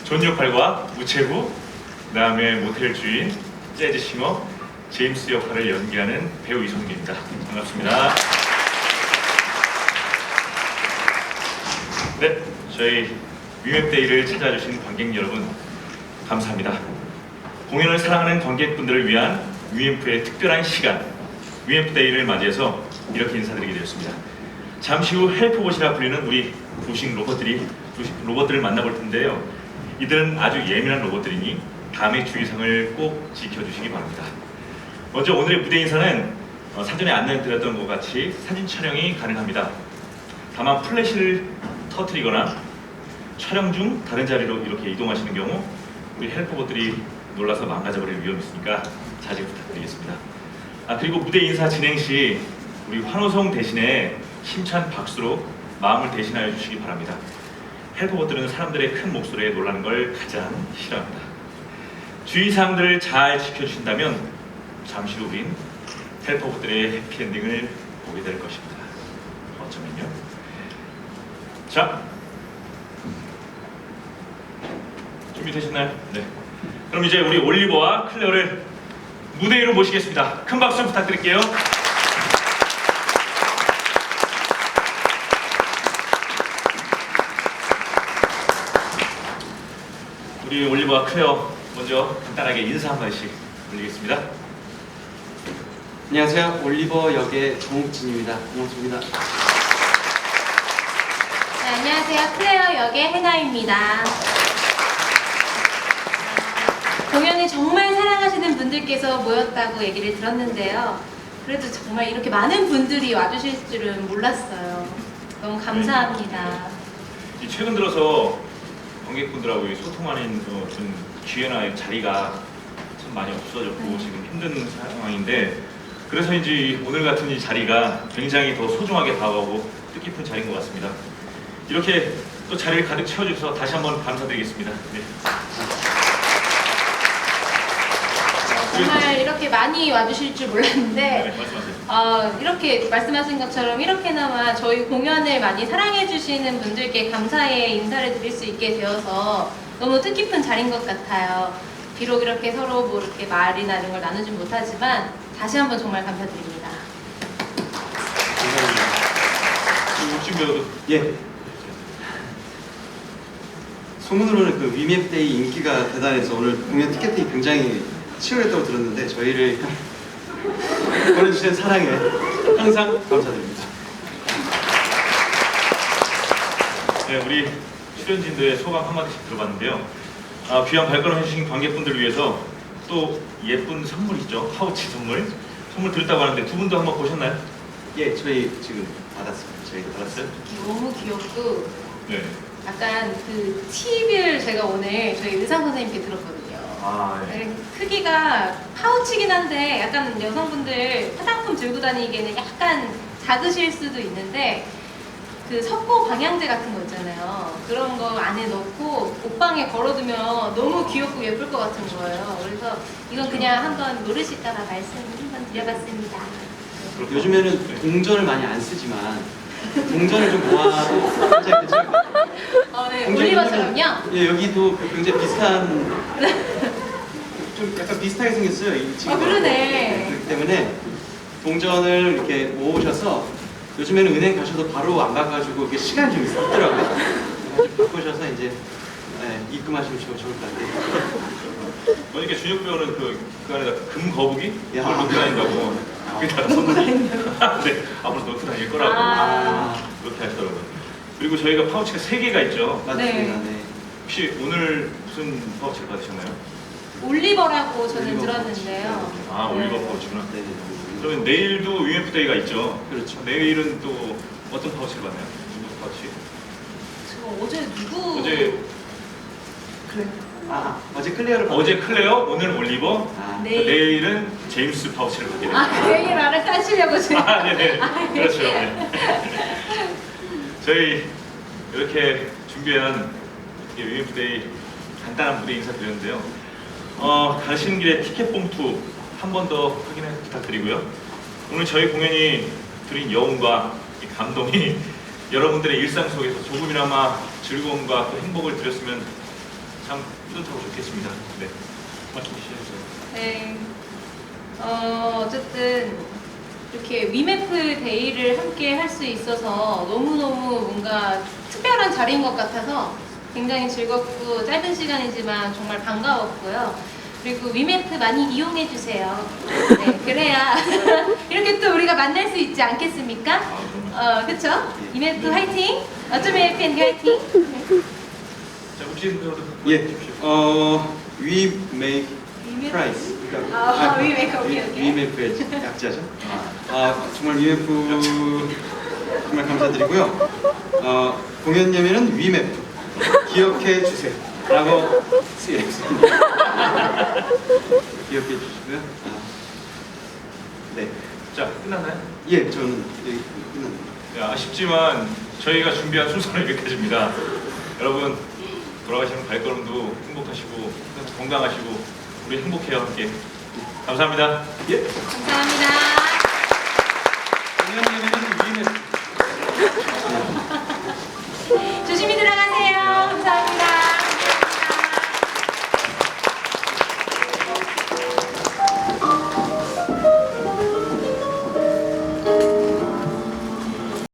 존 역할과 우체부, 그 다음에 모텔 주인, 재즈 싱어 제임스 역할을 연기하는 배우 이성기입니다. 반갑습니다. 네, 저희 위웹데이를 찾아주신 관객 여러분 감사합니다. 공연을 사랑하는 관객분들을 위한 위엠프의 특별한 시간, 위엠프데이를 맞이해서 이렇게 인사드리게 되었습니다. 잠시 후 헬프봇이라 불리는 우리 부식 로봇들을 만나볼 텐데요. 이들은 아주 예민한 로봇들이니 다음의 주의사항을 꼭 지켜주시기 바랍니다. 먼저 오늘의 무대 인사는 사전에 안내드렸던 것 같이 사진 촬영이 가능합니다. 다만 플래시를 터뜨리거나 촬영 중 다른 자리로 이렇게 이동하시는 경우 우리 헬퍼봇들이 놀라서 망가져버릴 위험이 있으니까 자제 부탁드리겠습니다. 그리고 무대 인사 진행 시 우리 환호성 대신에 힘찬 박수로 마음을 대신하여 주시기 바랍니다. 헬퍼봇들은 사람들의 큰 목소리에 놀라는 걸 가장 싫어합니다. 주의사항들을 잘 지켜주신다면 잠시 후 우린 헬퍼봇들의 해피엔딩을 보게 될 것입니다. 어쩌면요. 자, 준비되셨나요? 네. 그럼 이제 우리 올리버와 클레어를 무대 위로 모시겠습니다. 큰 박수 부탁드릴게요. 우리 올리버와 클레어 먼저 간단하게 인사 한 마디씩 올리겠습니다. 안녕하세요. 올리버 역의 정욱진입니다. 반갑습니다. 네, 안녕하세요. 클레어 역의 해나입니다. 공연을 정말 사랑하시는 분들께서 모였다고 얘기를 들었는데요. 그래도 정말 이렇게 많은 분들이 와주실 줄은 몰랐어요. 너무 감사합니다. 최근 들어서 관객분들하고 소통하는 좀 기회나 자리가 참 많이 없어졌고 지금 힘든 상황인데 그래서인지 오늘 같은 이 자리가 굉장히 더 소중하게 다가오고 뜻깊은 자리인 것 같습니다. 이렇게 또 자리를 가득 채워주셔서 다시 한번 감사드리겠습니다. 네. 정말 이렇게 많이 와주실 줄 몰랐는데 네, 말씀하세요. 이렇게 말씀하신 것처럼 이렇게나마 저희 공연을 많이 사랑해주시는 분들께 감사의 인사를 드릴 수 있게 되어서 너무 뜻깊은 자리인 것 같아요. 비록 이렇게 서로 뭐 이렇게 말이나 이런 걸 나누진 못하지만 다시 한번 정말 감사드립니다. 육진 배우도 예. 소문으로는 그 위맵데이 인기가 대단해서 오늘 공연 티켓팅이 굉장히 치열했다고 들었는데 저희를 보내주신 사랑에 항상 감사드립니다. 네, 우리 출연진들의 소감 한마디씩 들어봤는데요. 귀한 발걸음 해주신 관객분들을 위해서 또 예쁜 선물이죠. 파우치 선물 드렸다고 하는데 두 분도 한번 보셨나요? 예, 저희 지금 받았습니다. 저희도 받았어요? 너무 귀엽고 네. 약간 그 팁을 제가 오늘 저희 의상 선생님께 들었거든요. 네. 크기가 파우치긴 한데 약간 여성분들 화장품 들고 다니기에는 약간 작으실 수도 있는데 그 석고 방향제 같은 거 있잖아요. 그런 거 안에 넣고 옷방에 걸어두면 너무 귀엽고 예쁠 것 같은 거예요. 그래서 이건 그냥 한번 노릇 있다가 말씀 한번 드려봤습니다. 요즘에는 동전을 많이 안 쓰지만 동전을 좀 모아도 굉장히 괜찮을 것 같아요. 네, 동전이 올리버처럼요? 예, 여기도 굉장히 비슷한 좀 약간 비슷하게 생겼어요. 이 친구가. 그러네. 그렇기 때문에 동전을 이렇게 모으셔서 요즘에는 은행 가셔도 바로 안 가가지고 이게 시간이 좀 있더라고요. 바꾸셔서 이제 입금하시면 좋을 것 같아요. 보니까 준혁 배우는 그 안에다 금 거북이 야. 그걸 넣고 다닌다고. 그게다가 선물이. 네, 앞으로 넣고 다닐 거라고. 그렇게 하시더라고요. 그리고 저희가 파우치가 3개가 있죠. 맞습니다. 네. 혹시 오늘 무슨 파우치를 받으셨나요? 올리버라고 저는 올리버 들었는데요. 올리버 네. 파우치구나. 네, 네. 그러면 내일도 UMF데이가 있죠. 그렇죠. 내일은 또 어떤 파우치를 받나요? 누구 파우치? 저 어제 누구? 어제 어제 클레어를 어제 클레어, 오늘 올리버. 네. 내일은 제임스 파우치를 받게 됩니다. 그 얘기 말을 따시려고 지금. 네네. 그렇죠. 네. 저희 이렇게 준비한 UMF데이 간단한 무대 인사 드렸는데요. 가시는 길에 티켓 봉투 한 번 더 확인해 부탁드리고요. 오늘 저희 공연이 드린 여운과 이 감동이 여러분들의 일상 속에서 조금이나마 즐거움과 또 행복을 드렸으면 참 뿌듯하고 좋겠습니다. 네, 말씀 주시죠. 네. 어쨌든 이렇게 위메프 데이를 함께 할 수 있어서 너무너무 뭔가 특별한 자리인 것 같아서 굉장히 즐겁고 짧은 시간이지만 정말 반가웠고요. 그리고 위메프 많이 이용해 주세요. 네, 그래야 이렇게 또 우리가 만날 수 있지 않겠습니까? 그쵸? 위메프 화이팅! 어쩜 해피엔드 화이팅! 자, 혹시 예, we make price. 위메프의 약자죠. 정말 위메프 정말 감사드리고요. 공연 예매는 위메프 기억해 주세요. 라고 쓰여있습니다. 기억해 주시고요. 네. 자, 끝났나요? 예, 저는 끝납니다. 네, 아쉽지만 저희가 준비한 순서는 여기까지입니다. 여러분 돌아가시는 발걸음도 행복하시고 건강하시고 우리 행복해요 함께. 감사합니다. 예. 감사합니다.